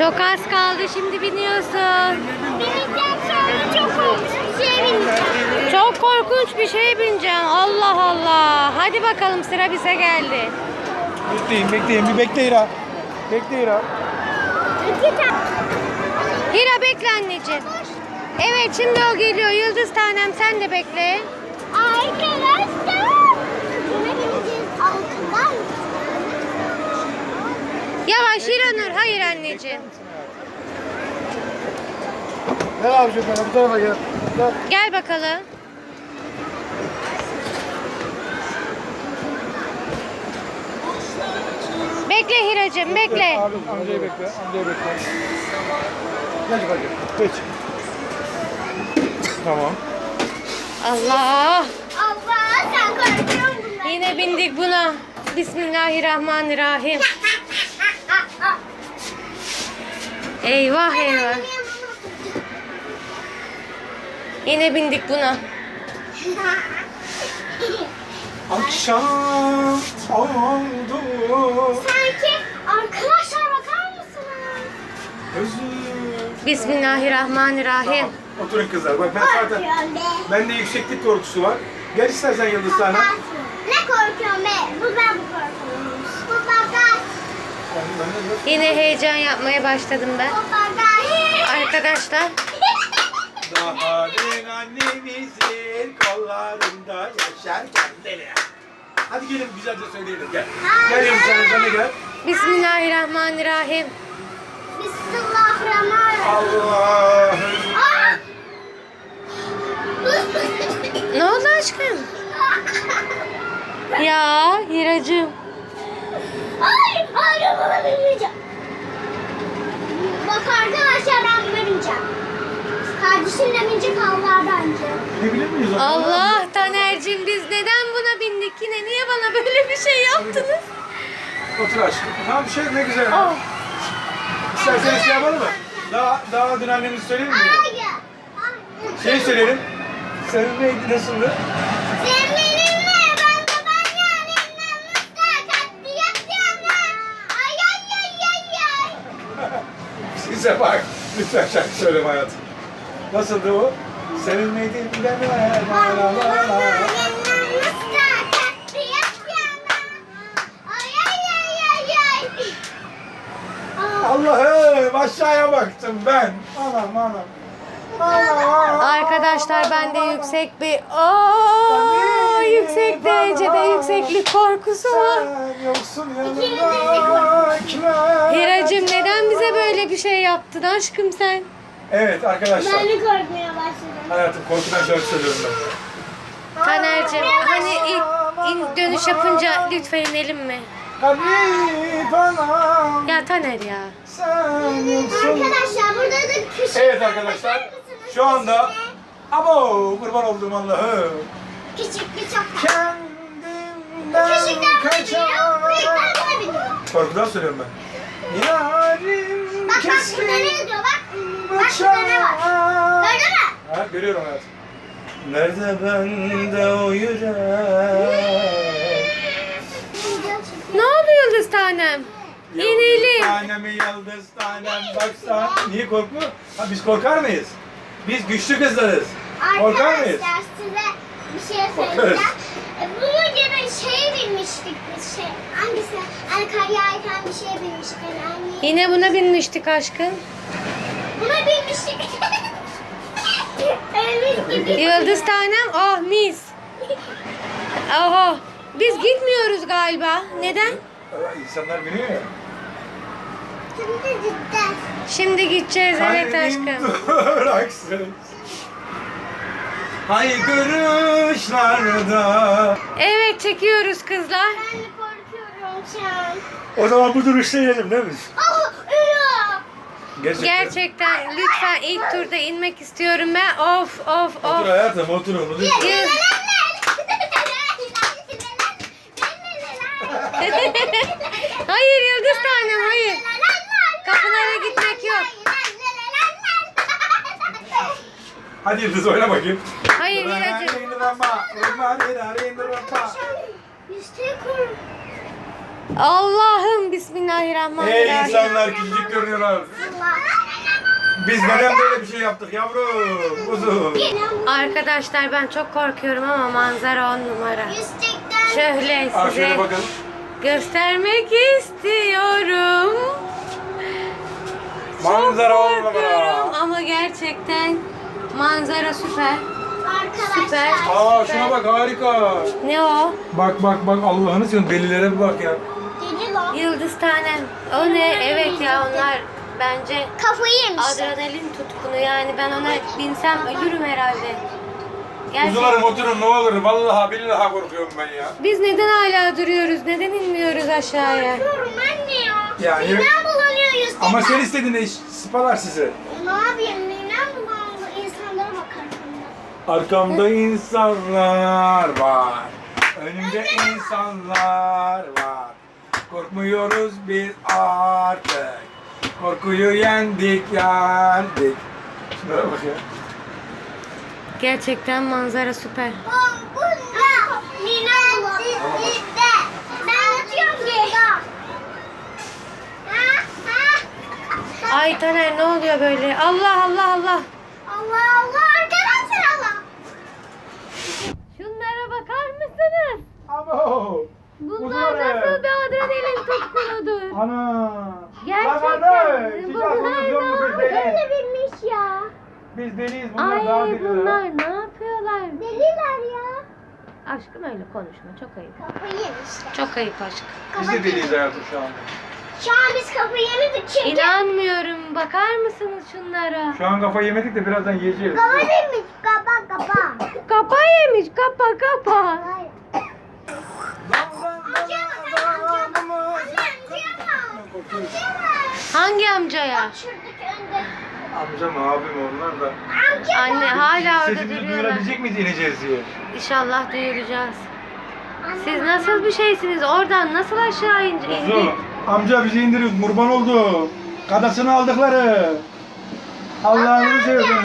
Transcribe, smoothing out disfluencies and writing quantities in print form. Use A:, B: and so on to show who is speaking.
A: Çok az kaldı, şimdi biniyorsun.
B: Bineceğim sonra çok korkunç bir şeye bineceğim.
A: Çok korkunç bir şeye bineceksin. Allah Allah. Hadi bakalım, sıra bize geldi.
C: Bekleyin. Bir bekle Hira. Bekle Hira.
B: İki tane.
A: Hira bekle anneciğim. Evet, şimdi o geliyor. Yıldız tanem, sen de bekle.
B: Arkadaşlar. Buna bineceğiz altından.
A: Yavaş Hiranur. Hayır anneciğim.
C: Ne yapacağım ben? Bu tarafa gel. Gel.
A: Gel bakalım. Bekle Hiracığım, bekle.
C: Abi amcayı bekle. Geç bakayım. Geç. Tamam.
A: Allah.
B: Allah sen korkuyorsun bundan.
A: Yine bindik buna. Bismillahirrahmanirrahim. Eyvah eyvah. Yine bindik buna.
C: Akşam oldu.
B: Sanki arkadaşlar bakar mısınız?
C: Özür.
A: Bismillahirrahmanirrahim.
C: Oturun kızlar. Bak ben zaten
B: Korkuyorum be.
C: bende yükseklik korkusu var. Gel istersen Yıldız sana.
B: Ne korkuyorum be? Bu ben bu korkuyorum. Bu bagaj.
A: Yine heyecan yapmaya başladım ben.
B: Bu bagaj.
A: Arkadaşlar.
C: Daha dün annemizin kollarında yaşarken deli. Hadi gelin güzelce söyleyelim gel. Gel Yıldız sen de gel.
A: Bismillahirrahmanirrahim.
B: Bismillahirrahmanirrahim.
C: Allah'ım.
B: Aa!
A: Ne oldu aşkım? Ya Hiracığım.
B: Ay, arabama binmeyeceğim. Bak arkadaşlar ben buna bineceğim. Kardeşimle binecek Allah bence.
C: Gidebilir miyiz? o zaman?
A: Allah Taner'cim, biz neden buna bindik yine? Niye bana böyle bir şey yaptınız?
C: Otur aşkım. Tamam şey ne güzel.
A: Oh.
C: İsterseniz şey yapalım mı? Daha dün annemizi söyleyelim mi?
B: Hayır.
C: Şey söyleyelim. Senin neydi nasıldı?
B: Sen benimle ben de ben yani nasıl katli yapacağım ben. Ay ay ay ay ay.
C: Size bak. Lütfen şarkı söyleme hayatım. Nasıldı o? Senin neydi? Deme. La la la la. Allah'ım aşağıya baktım ben. Anam.
A: Arkadaşlar bende yüksek bir yüksek derecede yükseklik korkusu var.
C: Sen yoksun yanımda.
A: Hiracığım, neden bize böyle bir şey yaptın aşkım sen?
C: Evet arkadaşlar.
B: Ben de korkmaya başladım.
C: Hayatım korkudan şarkı söylüyorum ben.
A: Taner'cim, hani ilk dönüş yapınca lütfen inelim mi?
C: Garip anam.
A: Ya Taner ya.
C: Sen yoksun.
B: Arkadaşlar burada da küçük.
C: Evet arkadaşlar. Şu anda abo kurban olduğum Allah'ım.
B: Küçük bir çok.
C: Kendimden
B: Küçükten
C: kaçar.
B: biniyor, büyükten buna biniyor.
C: Korkudan söylüyorum ben. Yarim
B: Bak burada
C: keskin
B: ne yazıyor bak. Bak burada ne var.
C: bıçağı.
B: Gördün mü?
C: Ha, görüyorum hayatım. Nerede bende o yürek?
A: Ne oldu Yıldız tanem? İnelim.
C: Tanemi yıldız tanem baksan. Niye korkmuyor? Ha, biz korkar mıyız? Biz güçlü kızlarız. Korkar mıyız?
B: Arkadaşlar size bir şey
C: Korkarız.
B: söyleyeceğim. Bunun gibi şeye binmiştik biz şey. Hangisi? Hani kar yağarken bir şeye binmiştik. Hani
A: Yine buna binmiştik aşkım.
B: buna binmiştik. Evet gibi.
A: Yıldız tanem, oh mis. Oho. Biz gitmiyoruz galiba. Neden?
C: İnsanlar biliyor ya.
B: Şimdi cidden.
A: Şimdi gideceğiz, evet
C: Kalbim
A: aşkım.
C: duraksız. Haykırışlarda.
A: Evet, çekiyoruz kızlar.
B: Ben de korkuyorum şu an.
C: O zaman bu duruşta yiyelim değil mi?
B: Oh, ıı.
A: Gerçekten lütfen ilk turda inmek istiyorum ben. Of.
C: Otur hayatım oturun.
A: Yıl- Hayır Yıldız tanem, hayır. Kapılara gitmek yok.
C: Hadi Yıldız oyna bakayım.
A: Hayır Hiracığım.
B: İşte kork.
A: Allah'ım
C: Ey
A: bismillahirrahmanirrahim.
C: insanlar küçücük görünüyorlar. Biz neden böyle bir şey yaptık yavrum? Kuzum.
A: Arkadaşlar ben çok korkuyorum ama manzara 10 numara.
B: Yüzecekten.
A: Şöyle
C: Al
A: size
C: şöyle bakalım.
A: göstermek istiyorum.
C: Manzara on numara.
A: Korkuyorum ama gerçekten manzara süper. Süper.
B: Arkadaşlar.
C: Aa şuna bak harika.
A: Ne o?
C: Bak bak bak Allah'ını seviyorum delilere bir bak ya.
B: Deli lan.
A: Yıldız tanem. O ne? Evet ya onlar bence
B: Kafayı yemişler.
A: adrenalin tutkunu yani ben ona binsem ölürüm herhalde.
C: Kuzularım
A: Gerçekten.
C: oturun ne olur. Vallahi billahi korkuyorum ben ya.
A: Biz neden hala duruyoruz? Neden inmiyoruz aşağıya?
B: Korkuyorum anne ya.
C: Yani-
B: Midem bulanıyor yüzden.
C: Ama sen istedin de spalar size.
B: Ne yapayım? Midem bulanıyor. İnsanlara bakar.
C: Arkamda insanlar var. Önümde insanlar var. Korkmuyoruz biz artık. Korkuyu yendik. Şunlara bak ya.
A: Gerçekten manzara süper.
B: Bunda. Midem bulanıyor. Ben atıyorum ki.
A: Ay Taner ne oluyor böyle? Allah Allah Allah.
B: Allah Allah arkadaşlar Allah.
A: Şunlara bakar mısınız?
C: Abo.
A: Bunlar nasıl bir adrenalin tutkunudur?
C: Ana.
A: Gerçekten.
B: Böyle bilmiş ya.
C: Biz deliyiz bunlar daha
A: Ay
C: deli.
A: bunlar ne yapıyorlar?
B: Deliler ya.
A: Aşkım öyle konuşma çok ayıp.
B: Kafayı yemişler.
A: Çok ayıp aşkım.
C: Biz de deliyiz hayatım şu anda.
B: Şu an biz kafayı yemedik çünkü.
A: İnanmıyorum. Bakar mısınız şunlara?
C: Şu an kafa yemedik de birazdan yiyeceğiz.
B: Kafa yemiş. Kapa.
A: Kapa yemiş. Kapa.
B: Hayır.
A: Hangi amcaya?
B: Şuradaki önde.
C: Amcam abim onlar da.
B: Amca.
A: Anne hala orada
C: Sesimizi
A: duruyorlar.
C: duyurabilecek miyiz ineceğiz diye.
A: İnşallah duyuracağız. Siz nasıl bir şeysiniz? Oradan nasıl aşağı indik?
C: Kuzu, amca bizi indiriyoruz kurban oldu. Kadasını aldıkları. Allah'ını seversen.